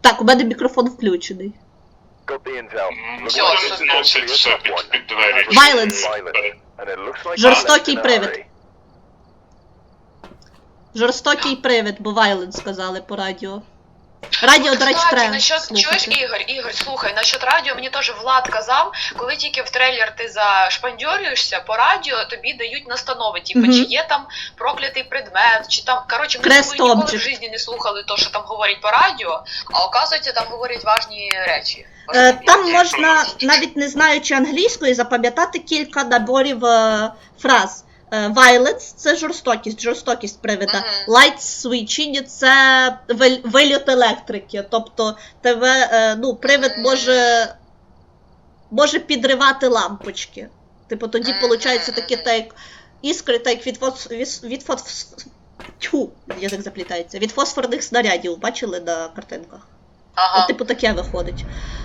Так, у мене мікрофон включений. Зносить все під двері. Violence. Жорстокий привид. Жорстокий привид, бо violence сказали по радіо. Радіо, до речі, треба Чуєш, Ігор, слухай, насчет радіо мені теж Влад казав, коли тільки в трейлер ти зашпандьорюєшся, по радіо тобі дають настанови, типу, чи є там проклятий предмет, чи там, коротше, ми з тобою ніколи в житті не слухали то, що там говорять по радіо, а оказується, там говорять важні речі. Там можна, навіть не знаючи англійської, запам'ятати кілька наборів фраз. Violence – це жорстокість привида. Light switching – це вильот електрики. Тобто тебе, привид може підривати лампочки. Типу тоді виходить такі іскри, так язик заплітається. Від фосфорних снарядів, бачили на картинках? Ага. От, типу таке виходить.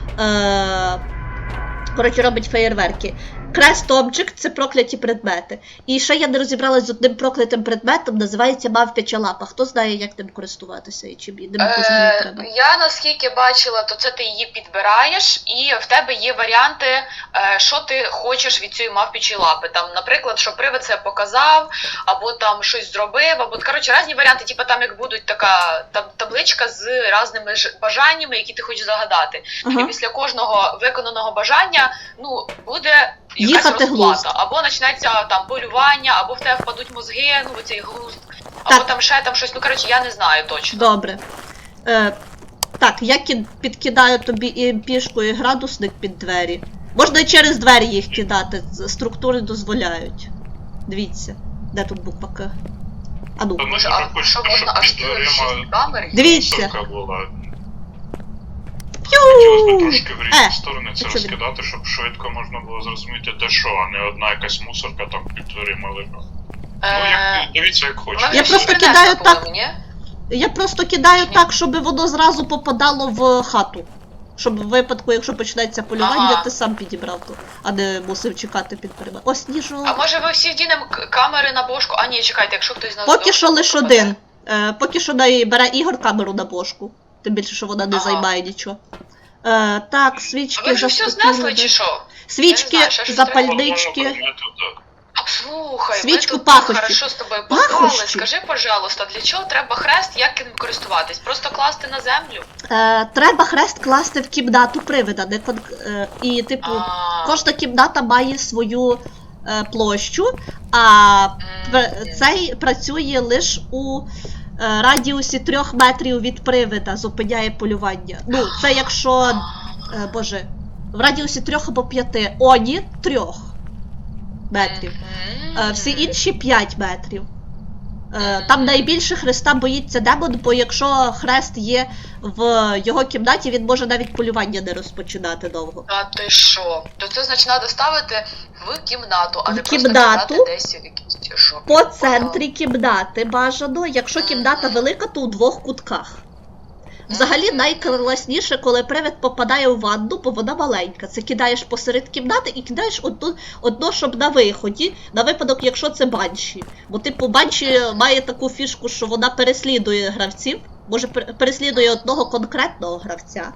Коротше, робить феєрверки. Crest Object – це прокляті предмети. І ще я не розібралась з одним проклятим предметом, називається мавпяча лапа. Хто знає, як ним користуватися і чим ним взагалі треба? Я наскільки бачила, то це ти її підбираєш, і в тебе є варіанти, що ти хочеш від цієї мавпячої лапи. Там, наприклад, що привид це показав, або там щось зробив, або, коротше, різні варіанти, типу там як будуть така табличка з різними бажаннями, які ти хочеш загадати. І після кожного виконаного бажання, буде якась розплата. Або почнеться там полювання, або в тебе впадуть мозги, оцей глузд, або там ще там щось, коротше, я не знаю точно. Добре. Так, я підкидаю тобі і пішку, і градусник під двері. Можна і через двері їх кидати, структури дозволяють. Дивіться, де тут буква К? Що можна аж під камери? Дивіться. Хотілося б трошки в різні сторони це розкидати, щоб швидко можна було зрозуміти, де що, а не одна якась мусорка там під дверима лежала. Дивіться, як хочете. Я просто кидаю так, щоб воно зразу попадало в хату. Щоб в випадку, якщо почнеться полювання, ти сам підібрав то, а не мусив чекати під дверима. О, сніжок. А може ви всі вдінемо камери на бошку? А ні, чекайте, якщо хтось нас поки що лише один. Поки що бере Ігор камеру на бошку. Тим більше, що вона не займає нічого. Так, свічки... А ви вже все знесли, чи що? Свічки, запальнички... Слухай, свічку, ми тут хорошо з тобою познали. Скажи, пожалуйста, для чого треба хрест, як ним користуватись? Просто класти на землю? Треба хрест класти в кімнату привида. І, типу, кожна кімната має свою площу, а цей працює лише у радіусі 3 метрів від привида, зупиняє полювання. Це якщо, в радіусі 3 або 5. Оні 3 метрів. Всі інші 5 метрів. Там найбільше хреста боїться демон, бо якщо хрест є в його кімнаті, він може навіть полювання не розпочинати довго. А ти що? То це значить треба ставити в кімнату, а не просто кидати десь в якісь шопі. По центрі кімнати бажано, якщо кімната велика, то у 2 кутках. Взагалі найкласніше, коли привид попадає у ванну, бо вона маленька. Це кидаєш посеред кімнати і кидаєш одно, щоб на виході, на випадок, якщо це банші. Бо, типу, банші має таку фішку, що вона переслідує гравців, може переслідує одного конкретного гравця.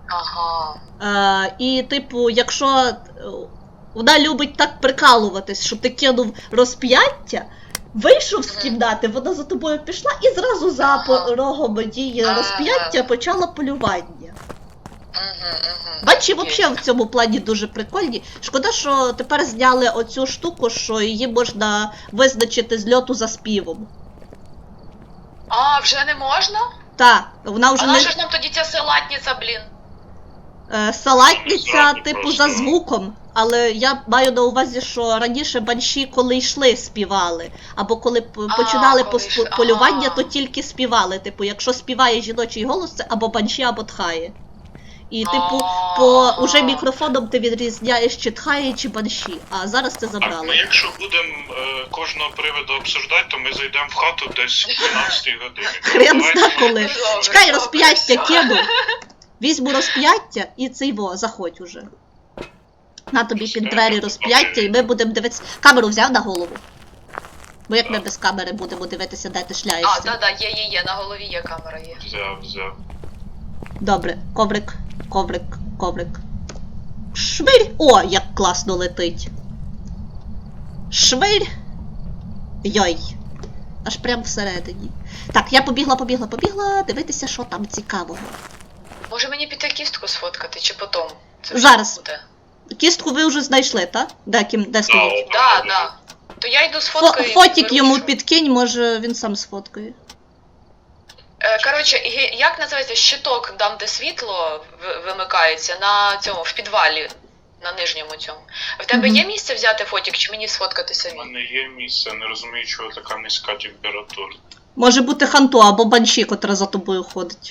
І, типу, якщо вона любить так прикалуватись, що ти кинув розп'яття, вийшов з кімнати, вона за тобою пішла і зразу за порогом дії розп'яття почала полювання. Банші взагалі в цьому плані дуже прикольні. Шкода, що тепер зняли оцю штуку, що її можна визначити з льоту за співом. А, вже не можна? Так, вона вже не... А наша ж нам тоді ця салатниця, блін? Салатниця, типу, за звуком. Але я маю на увазі, що раніше банші, коли йшли, співали. Або коли починали полювання, то тільки співали. Типу, якщо співає жіночий голос, це або банші, або тхає. І, типу, по уже мікрофоном ти відрізняєш, чи тхає, чи банші. А зараз це забрали. Ми якщо будемо кожного приводу обсуждати, то ми зайдемо в хату десь в 12 годині. Хрен зна коли. Чекай, розп'яття кину. Візьму розп'яття і заходь уже. На тобі під двері розп'яття, і ми будемо дивитися. Камеру взяв на голову? Бо як ми без камери будемо дивитися, де ти шляєшся? А, є, на голові є камера, є. Взяв. Добре, коврик, коврик, коврик. Швирь! О, як класно летить. Швирь! Йой. Аж прям всередині. Так, я побігла, дивитися, що там цікавого. Може мені піти кістку сфоткати, чи потім? Це вже Зараз. буде. Кістку ви вже знайшли, так? Де стоїть? Да. То я йду сфоткаю. Фотік йому підкинь. підкинь, може він сам сфоткає. Коротше, як називається щиток, там де світло вимикається, на цьому, в підвалі, на нижньому цьому. В тебе є місце взяти фотік, чи мені сфоткати У самі? мене є місце, не розумію, чого така низька температура. Може бути Ханто або Банші, котра за тобою ходить.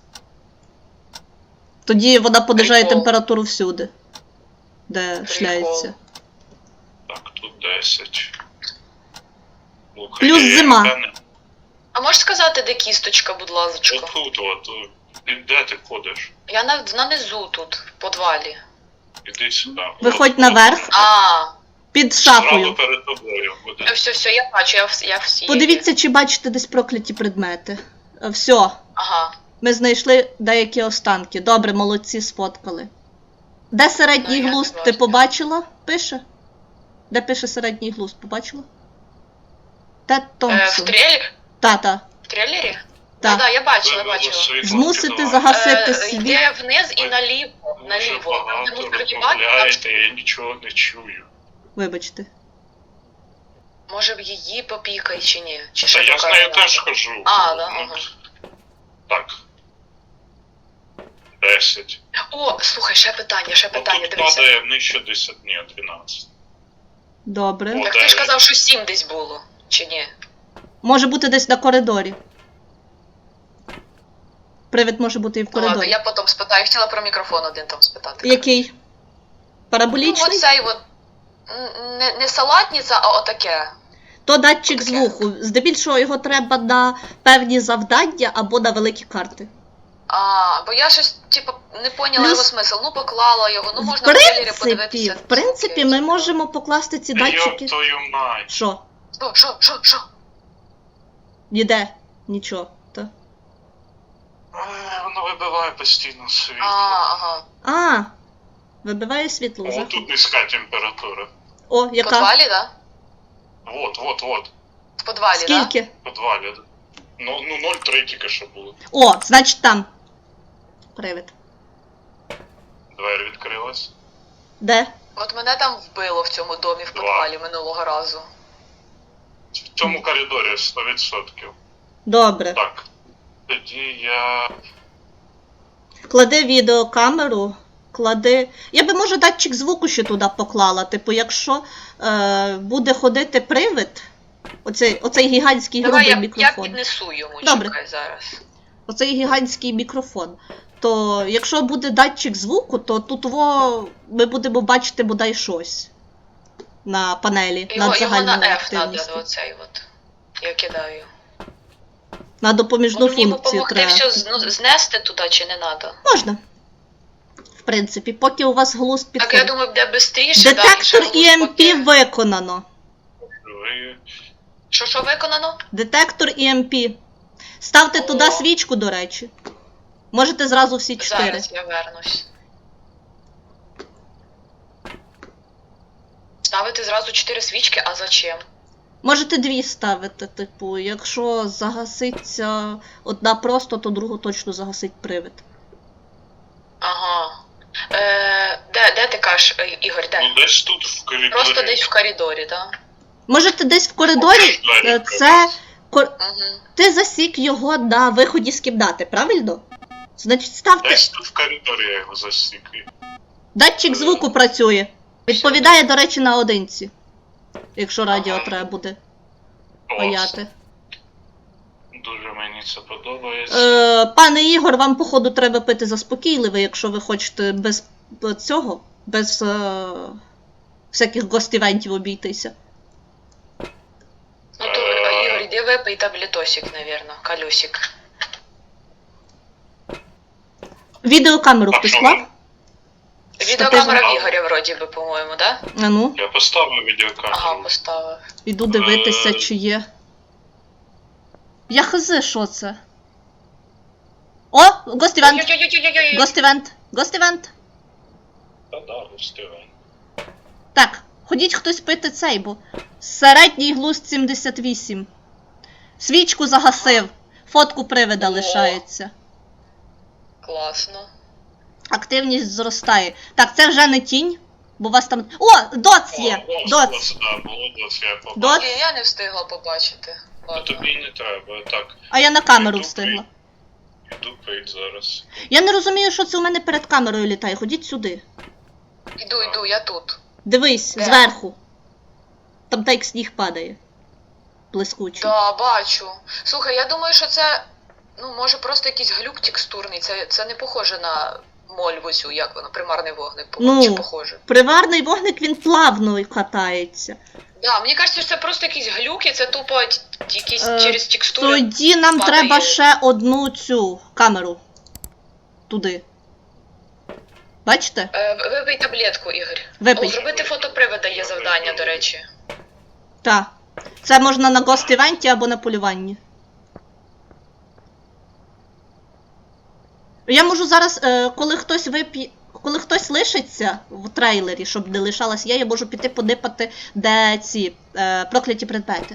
Тоді вона понижає Прикол. температуру всюди, де шляється. Так, тут 10. Слухай, Плюс я зима. певний, А можеш сказати, де кісточка, будь ласка? Отут, де ти ходиш? Я нанизу тут, в підвалі. Іди сюди. Виходь наверх. Під Зразу шафою. перед тобою буде. Все, я бачу, я всі. Подивіться, чи бачите десь прокляті предмети. Все, Ага. ми знайшли деякі останки. Добре, молодці, сфоткали. Де середній Ну, я глузд, не ти бачу. побачила? Пише? Де пише середній глузд, побачила? Тед В Томпсон. трейлері? В В трейлері? Так. Да, я бачила. Вивело світло Змусити підвал. загасити світ. Йде вниз і Ви наліво. Дуже Наліво. Там, де багато мусорки розмовляєте, я нічого не чую. Вибачте. Може б її попікай чи ні? Чи Та ще я з поки нею не теж надо? хожу. А, да, Ну, ага. Так. 10. О, слухай, ще питання, Тут дивися. падає нижче 10, ні, 12. Добре. О, Так ти ж 9. казав, що 7 десь було, чи ні? Може бути десь на коридорі. Привид може бути і в Ну ладно, коридорі. я потім спитаю. Хотіла про мікрофон один там спитати. Який? Ну, Параболічний? оцей от. Не салатниця, а отаке. То датчик Таке. звуку. Здебільшого його треба на певні завдання або на великі карти. Бо я щось, типу, не поняла Плюс- його смисл. Ну, поклала його, ну можна В в трейлері подивитися. принципі, ми можемо покласти ці датчики. Йоп твою мать. Що? Що? Ніде. Нічого. Та. Воно вибиває постійно світло. Ага. А, вибиває світло. О, Заходь. тут низька температура. О, В яка? підвалі, да? Вот. В підвалі, да? Скільки? В підвалі. Ну, 0,3 тільки що було. О, значить там. Привид. Двері відкрилась. Де? От мене там вбило в цьому домі в підвалі минулого разу. В цьому коридорі 100%. Добре. Так. Тоді я... Клади відеокамеру, клади. Я би, може, датчик звуку ще туди поклала. Типу, якщо буде ходити привид, оцей гігантський Давай грубий я мікрофон. піднесу йому, Добре. чекай зараз. Оцей гігантський мікрофон. То якщо буде датчик звуку, то тут ми будемо бачити бодай щось на панелі Його над на загальною F активністю. треба оцей от. Я кидаю. На допоміжну Мені функцію допомогти треба. все знести туди чи не треба? Можна. В принципі, поки у вас глузд Так, я підходить. думаю, буде швидше. Детектор EMP виконано. Ви... Що виконано? Детектор EMP. Ставте О. туди свічку, до речі. Можете зразу всі 4. Зараз я вернусь. Ставити зразу 4 свічки, а зачем? Можете 2 ставити, типу, якщо загаситься одна просто, то другу точно загасить привид. Ага. Де ти кажеш, Ігор, де? Ну, десь тут в коридорі. Просто десь в коридорі, так? Можете десь в коридорі, Двері це... Угу. Ти засік його на виході з кімнати, правильно? Значить, ставте... Десь тут в коридорі я його засік. Датчик звуку працює. Відповідає, до речі, наодинці. Якщо радіо Ага. треба буде Клас. паяти. Дуже мені це подобається. Пане Ігор, вам, походу, треба пити заспокійливе, якщо ви хочете без цього, без всяких гостівентів обійтися. Ну то, Ігор, іди випий таблетосик, навірно, колесик. Відеокамеру хтось клав? Відеокамера в Ігоря, вроді би, по-моєму, да? А ну, Я поставив відеокамеру. Ага, поставив. іду дивитися, чи є. Я хз, що це? О, Ghost Event! Ой-ой-ой-ой-ой-ой. Ghost Event! Ghost Event! Та-да, встигай. Так, ходіть хтось пити цей, бо середній глузд 78. Свічку загасив. Фотку привида О. лишається. Класно. Активність зростає. Так, це вже не тінь, бо у вас там. О, доц є! Доц! Да, було доц, я побачив. Доц? Ні, я не встигла побачити. А Ладно. тобі не треба, так. А я на камеру Іду встигла. Іду пить зараз. Я не розумію, що це у мене перед камерою літає. Ходіть сюди. Іду, я тут. Дивись, Де? зверху. Там так сніг падає. Блискучий. Да, бачу. Слухай, я думаю, що це, ну, може просто якийсь глюк текстурний. Це не похоже на мольву цю, як воно, примарний вогник. Ну. Чи похоже? Приварний вогник, він плавно катається. Да, мені кажеться, що це просто якісь глюки, це тупо якісь Е, через текстури. Тоді нам падає. треба ще одну цю камеру. Туди. Бачите? Випий таблетку, Ігор. Випий. О, зробити фотопривода є завдання, до речі. Так. Це можна на гост-івенті або на полюванні. Я можу зараз, коли хтось лишиться в трейлері, щоб не лишалась я можу піти подипати, де ці прокляті предмети.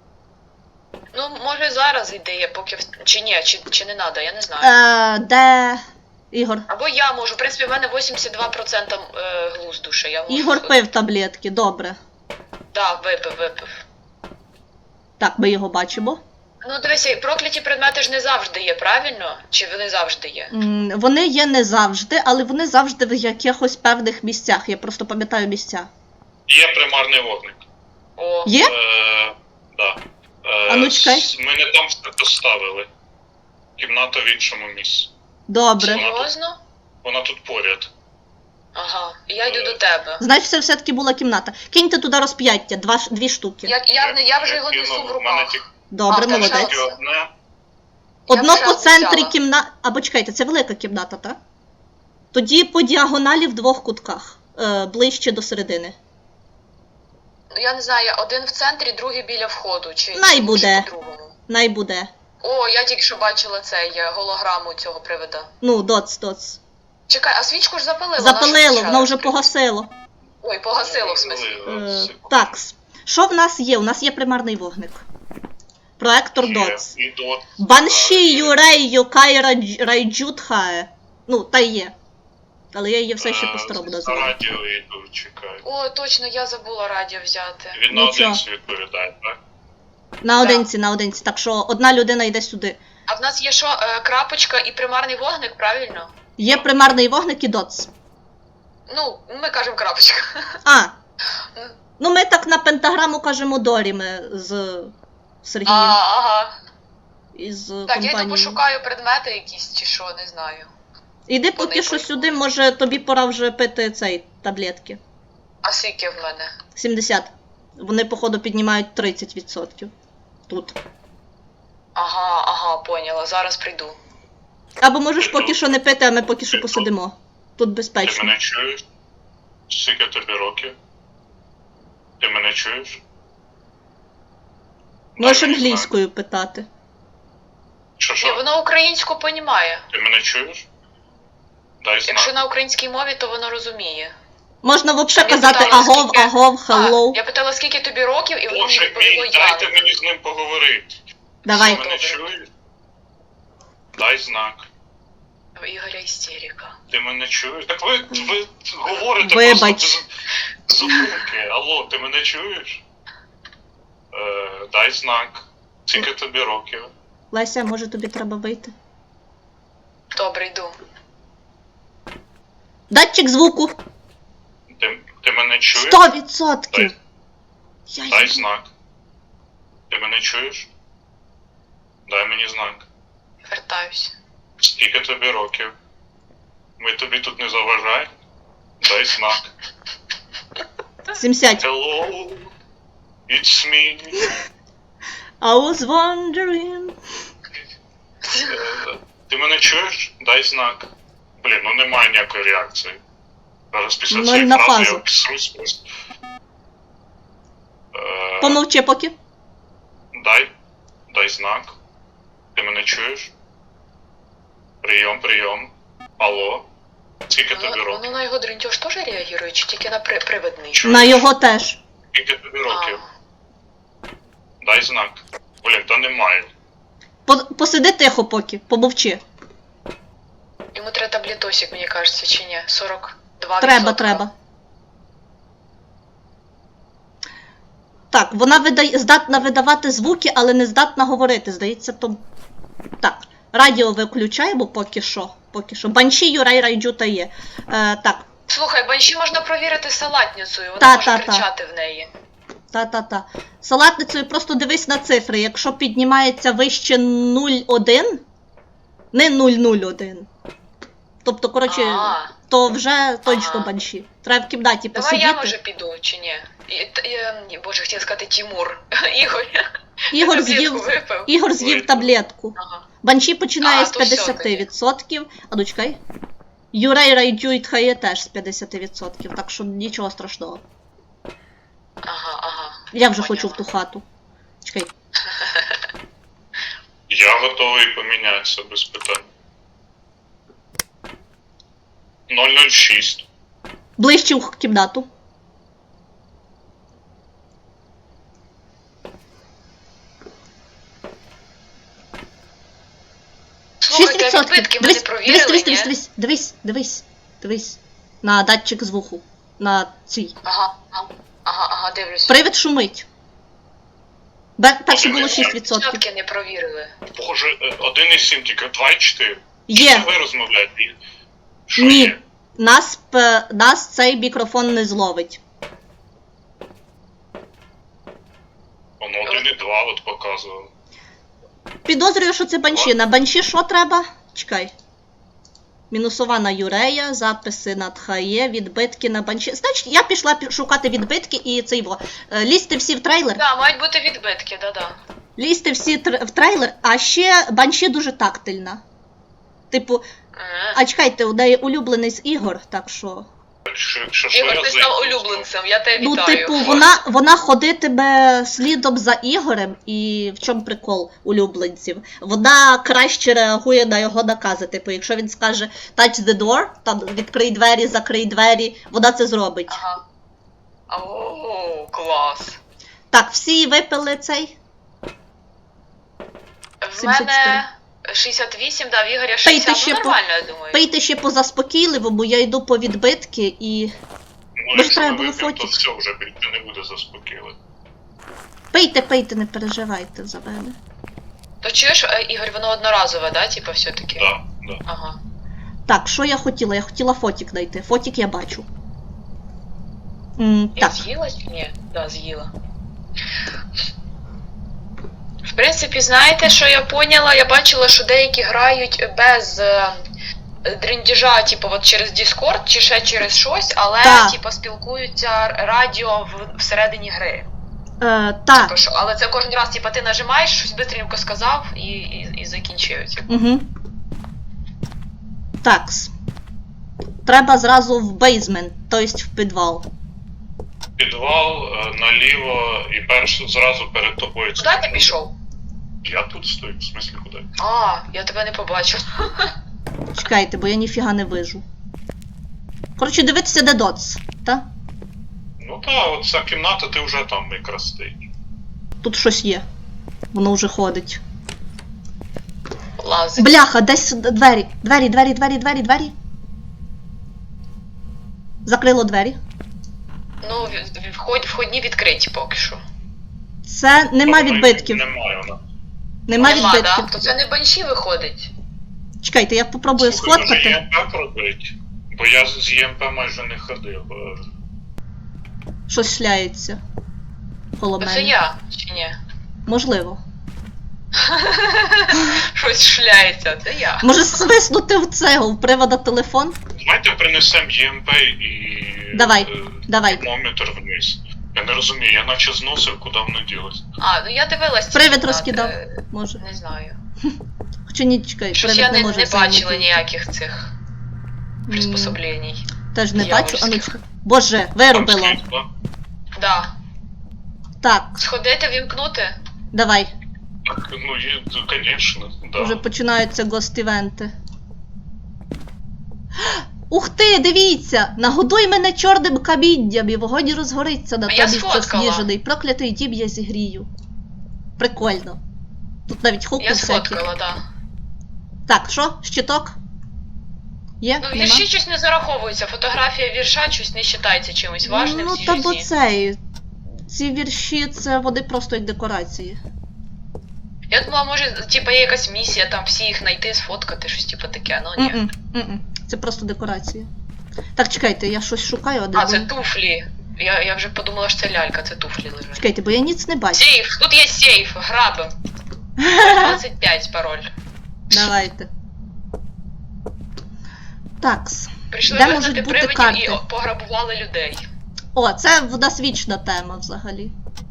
Ну, може зараз ідея, поки чи ні, чи не треба, я не знаю. Де Ігор? Або я можу, в принципі, в мене 82% глузду ще, я можу. Ігор пив таблетки, добре. Да, випив. Так, ми його бачимо. Ну, дивися, прокляті предмети ж не завжди є, правильно? Чи вони завжди є? Вони є не завжди, але вони завжди в якихось певних місцях. Я просто пам'ятаю місця. Є примарний вогник. О, Є? Да. А ну, чекай. Ми не там поставили. Кімната в іншому місці. Добре. серйозно? Вона тут поряд. Ага, я йду до тебе. Значить, це все-таки була кімната. Киньте туди розп'яття, дві штуки. Я вже його несу кинув, в в мене руках. тільки Добре, А, молодець. так, тільки одне. Одно вже по центрі взяла. кімната. Або чекайте, це велика кімната, так? Тоді по діагоналі в двох кутках. Ближче до середини. Ну, я не знаю, один в центрі, другий біля входу. Чи Най чи буде. по-другому. Най буде. О, я тільки що бачила голограму цього привида. Ну, доц. Чекай, а свічку ж запалила? Запалило, вона воно вже погасило. Ой, погасило в смислі. Так, що в нас є? У нас є примарний вогник. Проектор доц. І дот. Банші Юрей Йокай Райджутхае. Ну, та є. Але я її все ще по-старому За називаю. радіо йду, чекаю. О, точно, я забула радіо взяти. Він Нічого. наодинці відповідає, так? Наодинці. Так що одна людина йде сюди. А в нас є що, крапочка і примарний вогник, правильно? Є примарний вогник і доц. Ну, ми кажемо крапочка. А. Ну ми так на пентаграму кажемо Дорі, ми з Сергієм. Ага. Із Так, я йду компанією. пошукаю предмети якісь чи що, не знаю. Іди поки що сюди, може тобі пора вже пити цей таблетки. А скільки в мене? 70. Вони, походу, піднімають 30%. Тут. Ага, поняла, зараз прийду. Або можеш поки що не пити, а ми поки що посидимо. Тут Ти безпечно. мене чуєш? Скільки тобі років? Ти мене чуєш? Можеш Я не знаю. англійською питати. Ні, Що? воно українську понімає. Ти мене чуєш? Дай Якщо знак. на українській мові, то воно розуміє. Можна взагалі Я казати питала, агов, скільки- агов, hello. Я питала, скільки тобі років, і воно мені Боже відповіло мій, я. дайте мені з ним поговорити. Давай. Ти мене чуєш? Дай знак. В Ігоря істерика. Ти мене чуєш? Так ви говорите Вибач. просто без зупинки. Алло, ти мене чуєш? Дай знак. Скільки тобі років? Леся, може тобі треба вийти? Добре, йду. Датчик звуку. Ти мене чуєш? 100%. Дай знак. Ти мене чуєш? Дай мені знак. Вертаюсь. Скільки тобі років? Ми тобі тут не заважаємо? Дай знак. 70. Hello, it's me. I was wondering. Ти мене чуєш? Дай знак. Блін, ну немає ніякої реакції. Зараз після Ноль цієї на фрази фазу. я обісрусь просто. Помовчи поки. Дай знак. Ти мене чуєш? Прийом. Алло. Скільки тобі Воно років? на його дрінтьош теж реагує, чи тільки на привидний? На його теж. Скільки тобі років? Дай знак. Блін, та немає. Посиди тихо поки, помовчи. Йому треба таблетосик, мені кажеться, чи ні? 42%. Треба. Так, вона здатна видавати звуки, але не здатна говорити. Здається, то... Так, радіо виключаємо поки що. Банші, Юрай, Райджута є. Так. Слухай, банші можна провірити салатницею, вона Та, може та. кричати в неї. Та. Салатницею просто дивись на цифри. Якщо піднімається вище 0,1, не 0,01. Тобто, коротше, то вже точно банші. Треба в кімнаті посидіти. Давай я, може, піду, чи ні? Боже, хотіла сказати Тімур. Ігор з'їв таблетку. Ага. Банші починає з то все 50%. А ну чекай. Юрей Райджу і Тхає теж з 50%, так що нічого страшного. Ага. Я вже хочу в ту хату. Чекай. Я готовий помінятися без питань. 006. Ближче в кімнату. Слухайте, а відбитки ми не провірили, ні? Дивись. На датчик звуку. На цій. Ага, дивлюсь. Привид шумить. Перше було 6%. Початки не провірили. Боже, 1,7 тільки, 2,4. Є. Що ви розмовляєте? Що Ні. є? Нас цей мікрофон не зловить. Воно 1,2 от показувало. Підозрюю, що це банші. На банші що треба? Чекай. Мінусова на Юрея, записи на Тхає, відбитки на банші. Значить, я пішла шукати відбитки і цей во. Лізьте всі в трейлер. Так, мають бути відбитки, да. Лізьте всі в трейлер, а ще банші дуже тактильна. Типу, а чекайте, у неї улюблений з ігор, так що... Ігор, ти став улюбленцем, я тебе Ну, вітаю. типу, вона ходитиме слідом за Ігорем, і в чому прикол улюбленців? Вона краще реагує на його накази. Типу, якщо він скаже touch the door, там відкрий двері, закрий двері, вона це зробить. Ага. О, клас. Так, всі випили цей? В мене 68, да, в Ігоря 60, ну нормально, я думаю. Пийте ще по заспокійливому, я йду по відбитки і... Ну, якщо ми вип'ємо, то все, вже більше не буде заспокійливо. Пийте, не переживайте за мене. То чуєш, Ігор, воно одноразове, да, типа, все-таки? Да. Ага. Так, що я хотіла? Я хотіла фотік знайти. Фотік я бачу. Я з'їла чи ні? Да, з'їла. В принципі, знаєте, що я поняла? Я бачила, що деякі грають без дріндіжа, типу, от через Discord чи ще через щось, але, типу, спілкуються радіо всередині гри. Так. Типу, але це кожен раз, типу, ти нажимаєш, щось бистренько сказав і закінчив. Типу. Угу. Такс. Треба зразу в бейзмент, тобто в підвал. Підвал, наліво і зразу перед тобою. Куди ти пішов? Я тут стою, в смислі куди? А, я тебе не побачив. Чекайте, бо я ніфіга не вижу. Коротше, дивитися, де доц, так? Ну так, от ця кімната, ти вже там якраз стоїть. Тут щось є. Воно вже ходить. Лазить. Бляха, десь двері. Двері. Закрило двері. Ну, входні відкриті поки що. Це нема відбитків. Немає вона. Нема відбитків. Да? То це не банші виходить. Чекайте, я попробую сфоткати. Може ЄМП пробить? Бо я з ЄМП майже не ходив. Щось шляється. Коло Це мене. я, чи ні? Можливо. Щось шляється, це я. Може свиснути в цього, в привода телефон? Давайте принесемо ЄМП і... Давай. Термометр вниз. Я не розумію, я наче зносив, куди воно ділося. А, ну я дивилась. Привид розкидав, може. Не знаю. Хоча ні, чекай, Щось привид я не може не бачила взаємодіяти. ніяких цих приспособлень. Теж не бачу, а ну Дьявольських. Боже, виробило. Там світло. Да. Так, Сходити, вімкнути? давай. Так, ну, звісно, да. Вже починаються гост-івенти. Ух ти, дивіться! Нагодуй мене чорним камінням, і вогонь розгориться на А я тобі сфоткала. засніжений. Проклятий дім я зігрію. Прикольно. Тут навіть хуку Я всякі. сфоткала, так. Так, що? Щиток? Є? Ну, Нема? вірші щось не зараховуються. Фотографія вірша щось не вважається чимось важним Ну, в цій та бо житті. цей. Ці вірші, це вони просто як декорації. Я думала, може, типа є якась місія, там всі їх знайти, сфоткати, щось типу таке, ну ні. М-м. Це просто декорації. Так, чекайте, я щось шукаю, а де А, це вони? туфлі. Я вже подумала, що це лялька, це туфлі лежать. Чекайте, бо я ніц не бачу. Сейф! Тут є сейф, грабим. 25 пароль. Давайте. Такс. Прийшли Де вигнати можуть бути привидів карти? і пограбували людей. О, це в нас вічна тема взагалі.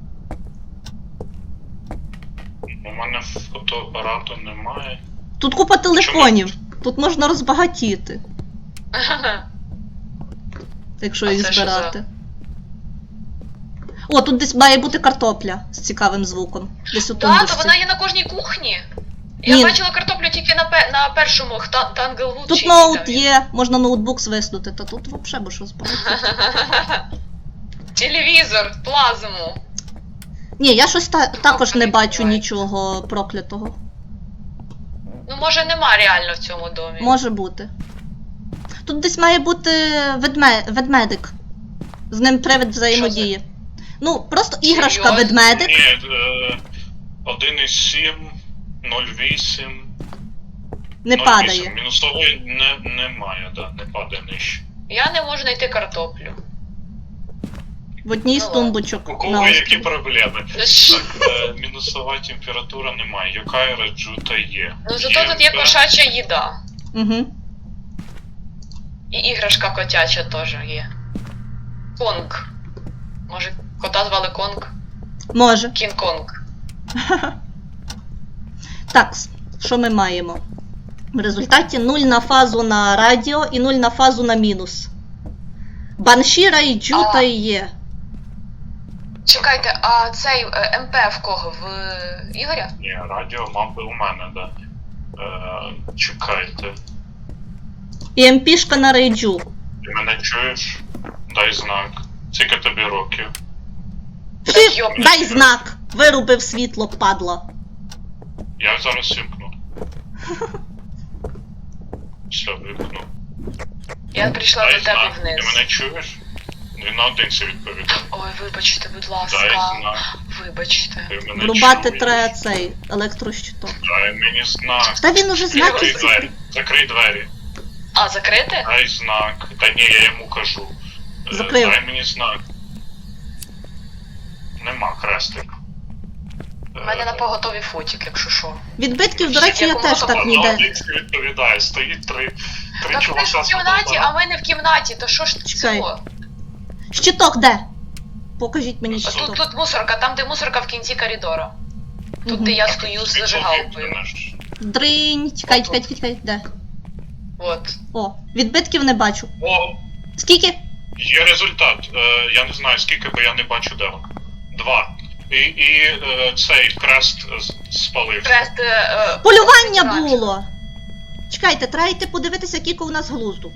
У мене фотоапарату немає. Тут купа телефонів. Тут можна розбагатіти, якщо А їх це що збирати. О, тут десь має бути картопля з цікавим звуком. Десь у Так, то тумбочці. вона є на кожній кухні. Я Ні. бачила картоплю тільки на першому Танглвуд. Тут ноут є, можна ноутбук свиснути, та тут взагалі будеш розбагатіти. Телевізор, плазму. Ні, я щось також не бачу буває. нічого проклятого. Ну, може, нема реально в цьому домі. Може бути. Тут десь має бути ведмедик. З ним привид взаємодіє. Ну, просто іграшка Серйозно? ведмедик. Ні, 1,7, 0,8. Не 0,8. падає. Мінусової немає, да, не падає нижче. Я не можу знайти картоплю. В одній з Ну, тумбочок. У на кого які острові. проблеми? Це ж- Так, мінусова температура немає. Яка раджута є? Ну, зато тут є кошача їда. Угу. І іграшка котяча теж є. Конг. Може, кота звали Конг? Може. Кінг-Конг. Так, що ми маємо? В результаті 0 на фазу на радіо і 0 на фазу на мінус. Банші, Райджу та є. Чекайте, а цей МП в кого? В Ігоря? Ні, радіо, мабуть, у мене, да. Чекайте. І МПшка на Райджу. Ти мене чуєш? Дай знак. Скільки тобі років? Так, йоп. Дай знак! Вирубив світло, падла. Я зараз вимкну. Все, вимкну. Я прийшла Дай до тебе знак. вниз. Ти мене чуєш? Він наодинці відповідає. Ой, вибачте, будь Дай ласка. знак. Вибачте. Ти мене Врубати чуєш? треба цей електрощиток. Дай мені знак. Та він уже знаки Закрий двері. Закрий двері. А, закрити? Дай знак. Та ні, я йому кажу. Закрив. Дай мені знак. Нема хрестик. У мене на поготові фотик, якщо що. Відбитків, до речі, я теж так ніде. Наодинці відповідає. Стоїть три Так чувака ми ж в з кімнаті, а фотоапаратом. ми не в кімнаті, то що ж Чекай. цього? Щиток де? Покажіть мені Тут, щиток. тут мусорка, там де мусорка в кінці коридора. Тут, Мгм. де я А стою тут з світло зажигалкою. вимкнене ж. Дринь. Чекай, де? От. О, відбитків не бачу. О, Скільки? є результат. Я не знаю скільки, бо я не бачу де воно. 2. І цей хрест спалився. Хрест... Полювання оранжевий. було! Чекайте, треба йти подивитися, кілько у нас глузду.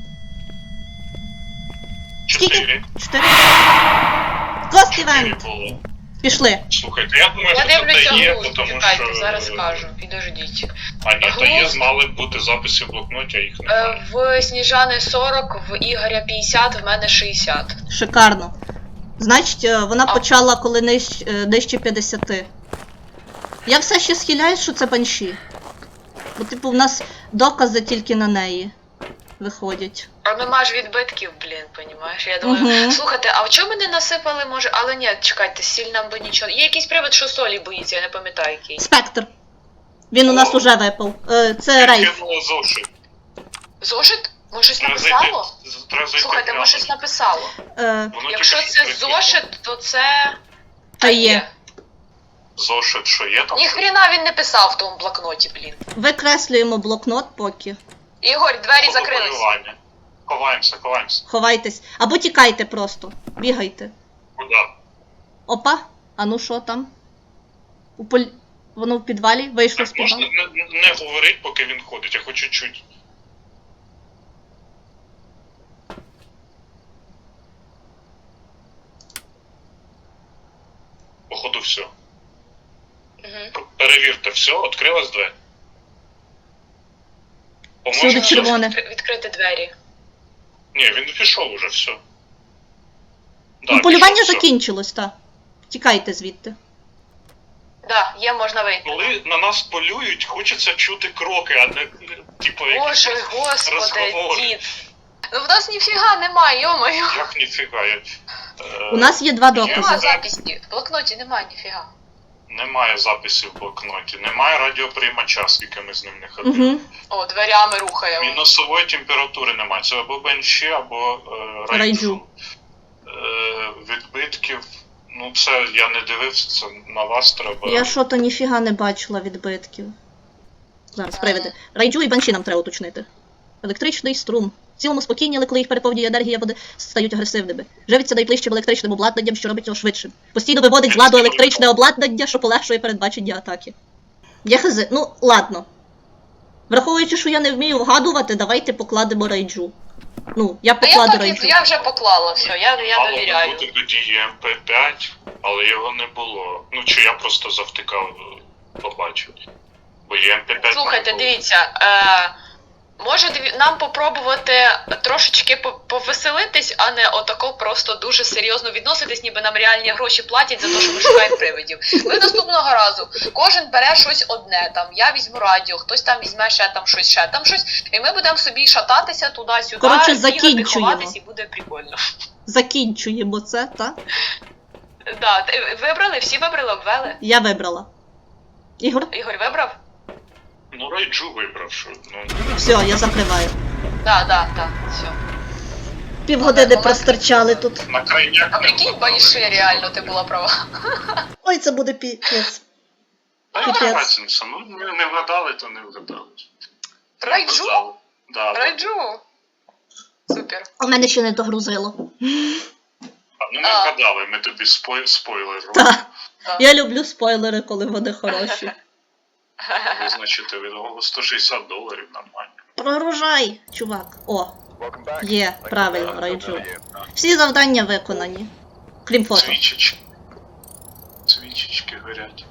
Скільки? 4. 4. Кост 4 івент. було. Пішли. Слухайте, я думаю, Я що це дивлюся є, глузд, тому чекайте, що... зараз скажу. Підождіть. А ні, то є, Глузд. мали б бути записи в блокноті, а їх немає. В Сніжани 40, в Ігоря 50, в мене 60. Шикарно. Значить, вона А. почала, коли нижче 50. Я все ще схиляюсь, що це банші. Бо, типу, в нас докази тільки на неї виходять. А нема ж відбитків, блін, понімаєш? Я думаю, Мгм. слухайте, а в чому мене насипали, може, але ні, чекайте, сіль нам би нічого. Є якийсь привид, що солі боїться, я не пам'ятаю який. Спектр. Він у нас уже випав. Це Рейф. Кинуло зошит. Зошит? Може щось Треба написало? Треба зайти Слухайте, прямо. може щось написало. Воно Якщо тільки це що зошит, то це... Та є. Зошит, що є там? Ніхрена він не писав в тому блокноті, блін. Викреслюємо блокнот поки. Ігор, двері закрились. Фотополювання. Ховаємося. Ховайтесь. Або тікайте просто. Бігайте. Куди? Опа. А ну що там? Воно в підвалі? Вийшло з Так, можна підвалу? не говорити, поки він ходить, я хочу чуть. Походу все. Угу. Перевірте все, відкрилась двері. Всюди все. червоне. Відкрити двері. Ні, він пішов уже, все. Да, Ну, полювання пішов, все. закінчилось, так. Тікайте звідти. Да, є, можна вийти. Коли на нас полюють, хочеться чути кроки, а не типу якісь Боже, господи, розговори. дід. Ну в нас ніфіга немає, йомаю. Як ніфіга. У нас є два Нема докази. записів. В блокноті немає ніфіга. Немає записів в блокноті, немає радіоприймача, скільки ми з ним не ходили. Угу. О, дверями рухаємо. Мінусової температури немає. Це або бенші, або Райджу. райджу. Відбитків. Ну це я не дивився, це на вас треба. Я що-то ніфіга не бачила відбитків. Зараз, приведи. Райджу і банші нам треба уточнити. Електричний струм. В цілому спокійні, але коли їх переповнює енергія, вони стають агресивними. Живиться найближчим електричним обладнанням, що робить його швидшим. Постійно виводить з ладу електричне обладнання, що полегшує передбачення атаки. Я хази, ну ладно. Враховуючи, що я не вмію вгадувати, давайте покладемо райджу. Ну, я А я покладу так райджу. я вже поклала все, я Мало довіряю. бути тоді МП5, але його не було. Ну чи я просто завтикав, побачив. Бо МП5 Слухайте, не було. дивіться, може нам попробувати трошечки повеселитись, а не отако просто дуже серйозно відноситись, ніби нам реальні гроші платять за те, що ми шукаємо привидів. Ми наступного разу кожен бере щось одне, там я візьму радіо, хтось там візьме ще там щось, і ми будемо собі шататися туди-сюди, Коротше, бігати, закінчуємо. ховатись, і буде прикольно. Закінчуємо це, так? Да, вибрали, всі вибрали, обвели. Я вибрала. Ігор? Ігор вибрав? Ну райджу вибрав, що. Ну, Все, я закриваю. Да, все. Півгодини простирчали тут. на крайняк А не прикинь, вгадали. Баніши, реально, ти була права. Ой, це буде піпець. Та Піпець. яка разниця? Ну ми не вгадали, то не вгадали. Райджу? Вгадали. Да, да. Райджу. Супер. А в мене ще не догрузило. Ну ми вгадали, ми тобі спойлер робимо. Так. Я люблю спойлери, коли вони хороші. Визначити від того $160 нормально. Прогружай, чувак. О, є, правильно, райджу. Всі завдання виконані. Крім фото. Свічечки. Свічечки горять.